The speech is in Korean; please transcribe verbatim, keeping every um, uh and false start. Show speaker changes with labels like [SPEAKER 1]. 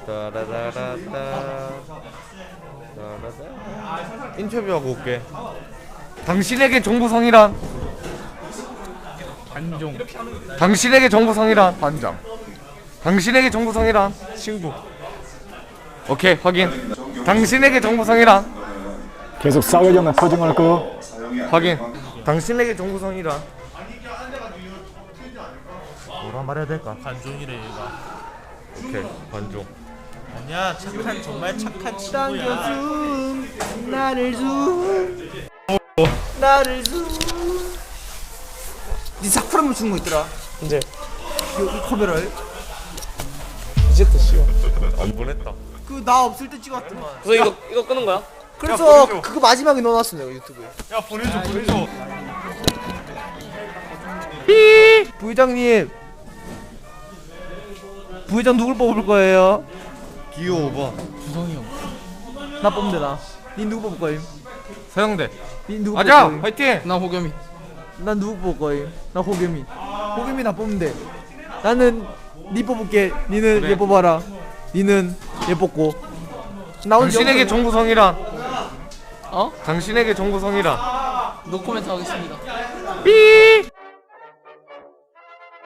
[SPEAKER 1] 따라라라따 따라라. 인터뷰하고 올게. 당신에게 정보성이란?
[SPEAKER 2] 반종.
[SPEAKER 1] 당신에게 정보성이란?
[SPEAKER 2] 반장.
[SPEAKER 1] 당신에게 정보성이란?
[SPEAKER 2] 친구.
[SPEAKER 1] 오케이, 확인. 당신에게 정보성이란?
[SPEAKER 3] 계속 싸우려는 표정을 끄.
[SPEAKER 1] 확인. 당신에게 정보성이란? 뭐라 말해야 될까?
[SPEAKER 4] 관종이래 얘가.
[SPEAKER 1] 오케이, 관종.
[SPEAKER 4] 아니야, 착한 정말 착한 친구야.
[SPEAKER 2] 나를 좀. 나를 좀. 네 사쿠라물 주는 거 있더라.
[SPEAKER 1] 이제
[SPEAKER 2] 이 카메라에.
[SPEAKER 1] 이제부터 쉬워. 안 보냈다.
[SPEAKER 2] 그 나 없을 때 찍었더만.
[SPEAKER 5] 그래서 이거 이거 끄는 거야?
[SPEAKER 2] 그래서 그거 마지막에 넣어놨어 내가 유튜브에.
[SPEAKER 1] 야, 보내줘, 보내줘.
[SPEAKER 2] 부회장님. 부회장 누굴 뽑을 거예요?
[SPEAKER 1] 기호 오 번.
[SPEAKER 2] 나 뽑으면 되나? 니 누구 뽑을 거임?
[SPEAKER 1] 서영대.
[SPEAKER 2] 니 누구
[SPEAKER 1] 가자,
[SPEAKER 2] 뽑을 거임?
[SPEAKER 1] 화이팅.
[SPEAKER 5] 나 호겸이.
[SPEAKER 2] 난 누구 뽑을 거임? 나 호겸이. 호겸이 나 뽑으면 돼. 나는 니 뽑을게. 니는
[SPEAKER 1] 그래.
[SPEAKER 2] 얘 뽑아라. 니는 얘 뽑고. 나 오늘
[SPEAKER 1] 당신에게
[SPEAKER 2] 영상-
[SPEAKER 1] 정보성이란?
[SPEAKER 5] 어?
[SPEAKER 1] 당신에게 정보성이란?
[SPEAKER 5] 노코멘트 하겠습니다.
[SPEAKER 1] 삐.